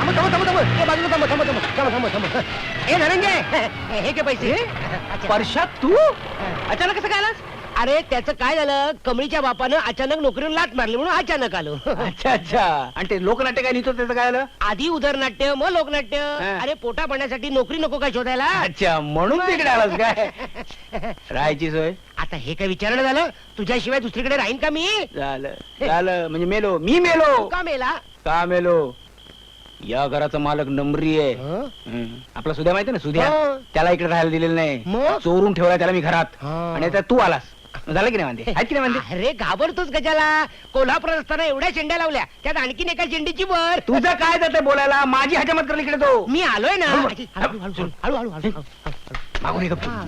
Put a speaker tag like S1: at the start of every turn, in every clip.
S1: ए धनंजय, हे के पैसे.
S2: परशात तू अचानक कसं काय आलास?
S1: अरे त्याचं काय झालं, कमळीच्या बापानं अचानक नोकरीवर लाट मारली म्हणून अचानक आलो.
S2: अच्छा अच्छा. आणि ते लोकनाट्य काय लिहितो त्याचं काय आलं?
S1: आधी उदरनाट्य मग लोकनाट्य.
S2: हा.
S1: अरे पोटा पाण्यासाठी नोकरी नको काय शोधायला.
S2: अच्छा, म्हणून तिकडे आलास काय? राहायची सोय
S1: आता हे काय विचारणं झालं, तुझ्याशिवाय दुसरीकडे राहीन का मी?
S2: झालं झालं. म्हणजे मेलो, मी मेलो.
S1: का मेला?
S2: का मेलो? या घराचा मालक नंबरी आहे.
S1: हं?
S2: आपला सुद्या माहिती ना, सुद्या.
S1: हो.
S2: त्याला इकडे राहायला दिलेलं नाही,
S1: मग?
S2: चोरून ठेवला त्याला मी घरात.
S1: हा.
S2: आणि आता तू आलास. झालं की नाही म्हणते? आहेत की नाही म्हणते?
S1: अरे घाबरतोच गजाला. कोल्हापुरात असताना एवढ्या शेंड्या लावल्या, त्यात आणखीन एका शेंडीची वर.
S2: तुझं काय जाते बोलायला? माझी हजामत कर इकडे तो.
S1: मी आलोय ना.
S2: हळू,
S1: हळू, हळू, हळू, हळू, हळू, हळू.
S2: मागून ये गप्प.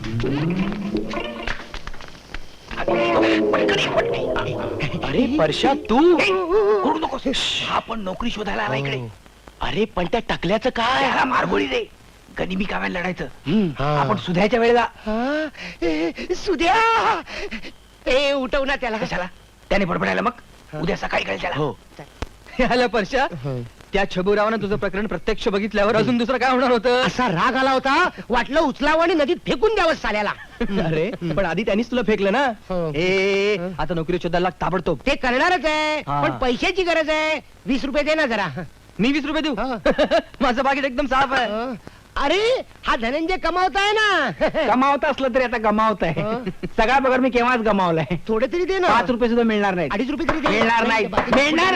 S2: अरे परशा तू करू नकोस. हा पण नोकरी शोधायला आला इकडे. अरे पण त्या टकल्याचं काय? त्याला मारगोळी दे. गनिमी काव्याला लढायचं.
S1: हा.
S2: आपण सुधायच्या वेळेला
S1: हा? सुद्या ए उठव ना त्याला.
S2: कशाला? त्याने बडबडायला मग उद्या सकाळी कळेल त्याला.
S3: हो. आला परशा, त्या छबुरावानं तुझं प्रकरण प्रत्यक्ष बघितल्यावर अजून दुसरं काय होणार होतं?
S1: असा राग आला होता, वाटलं उचलावं आणि नदीत फेकून द्यावं साल्याला.
S3: अरे पण आधी त्यांनीच तुला फेकलं ना. ए आता नोकरी शोधायला लाग ताबडतोब.
S1: ते करणारच आहे,
S3: हा.
S1: पण पैशाची गरज आहे. 20 रुपये दे ना जरा.
S3: मी 20 रुपये देऊ? माझं पाकिट एकदम साफ आहे.
S1: अरे हा धनंजय कमावताय ना.
S2: गमावत असलं तरी आता गमावत आहे. सगळा पगार मी केव्हाच गमावलाय.
S1: थोडे तरी दे ना.
S2: 5 रुपये सुद्धा मिळणार नाही.
S1: 2.5 रुपये तरी दे.
S2: मिळणार नाही. मिळणार.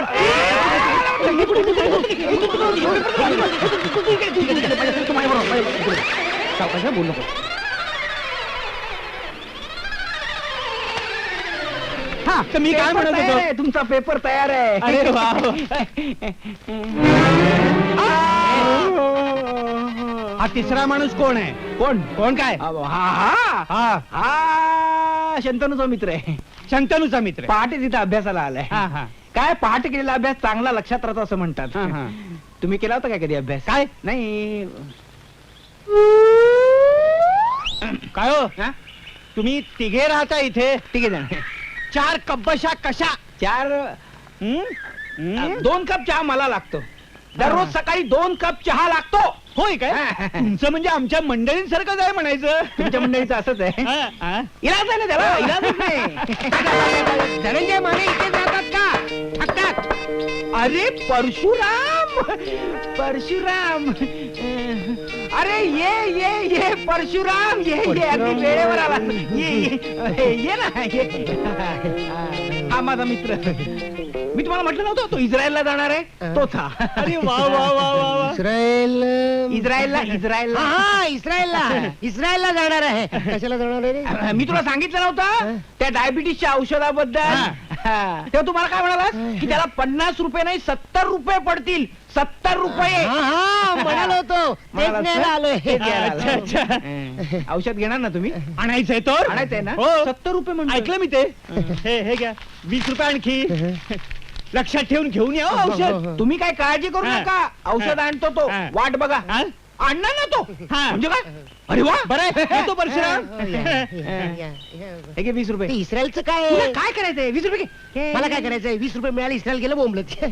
S2: बोल नको.
S3: हा तर मी काय म्हणत
S2: तयार
S3: होतो?
S2: आहे, तुमचा पेपर तयार आहे.
S3: अरे वा. हा तिसरा माणूस कोण आहे?
S2: कोण?
S3: कोण काय?
S2: हा हा
S3: हा
S2: हा शंतनूचा मित्र आहे.
S3: शंतनूचा मित्र.
S2: पहाटे तिथं अभ्यासाला आलाय.
S3: हा हा.
S2: काय पहाटे केलेला अभ्यास चांगला लक्षात राहतो असं म्हणतात.
S3: हा, हा.
S2: तुम्ही केला होता काय कधी अभ्यास?
S3: काय?
S2: नाही.
S3: काय हो?
S2: हा?
S3: तुम्ही तिघे राहता इथे?
S2: ठीक आहे जण.
S3: 4 कब्बशा कशा?
S2: 4
S3: हं?
S2: 2 कप चहा मला लागतो. दररोज सकाळी 2 कप चहा लागतो.
S3: होय काय?
S2: हा.
S3: तुमचं म्हणजे आमच्या मंडळींसारखंच आहे म्हणायचं.
S2: तुमच्या मंडळीचं असंच आहे.
S3: हा, हा.
S2: इलाज आहे ना त्याला, इलाजच नाही.
S1: धनंजय माने इथे जातात का? थकतात.
S2: अरे परशुराम, परशुराम. अरे ये ये ये परशुराम, ये ये अगदी वेळेवर आला. ये ये ना ये. हा माझा मित्र. मी तुम्हाला म्हटलं नव्हतं तो इस्रायलला जाणार आहे, तोच हा.
S3: अरे वा वा वा वा वा.
S1: इस्रायल.
S2: इस्रायलला
S1: हा इस्रायलला जाणार आहे. कशाला जाणार आहे रे?
S2: मी तुला सांगितलं नव्हतं त्या डायबिटीसच्या औषधाबद्दल. तेव्हा तुम्हाला काय म्हणालास की त्याला 50 रुपये नाही 70 रुपये पडतील. 70 रुपये.
S1: हा म्हणालो होतो. तेच
S2: म्हणालास
S1: न्यायला
S2: ना?
S1: आलोय.
S2: तेच घ्यायला
S3: अच्छा,
S2: आलोय.
S3: अच्छा.
S2: औषध घेणार ना तुम्ही?
S3: आणायचंय तर?
S2: आणायचंय ना?
S3: हो.
S2: 70 रुपये म्हणतो.
S3: ऐकलं मी ते. हे घ्या 20 रुपये आणखी. लक्षात ठेवून घेऊन या हो औषध.
S2: तुम्ही काय काळजी करू
S3: हा.
S2: नका. औषध
S3: हा.
S2: आणतो तो.
S3: हा.
S2: वाट बघा.
S3: हा?
S2: आणणार ना तो.
S3: हा.
S2: म्हणजे काय? अरे वा.
S3: बरं आहे. येतो परशुराम.
S2: हे घे 20 रुपये.
S1: ते इस्रायलचं काय
S2: तुला
S1: आहे?
S2: काय करायचंय? 20 रुपये घे.
S1: मला काय करायचंय? 20 रुपये मिळाले, इस्रायल गेलं बोंबलत.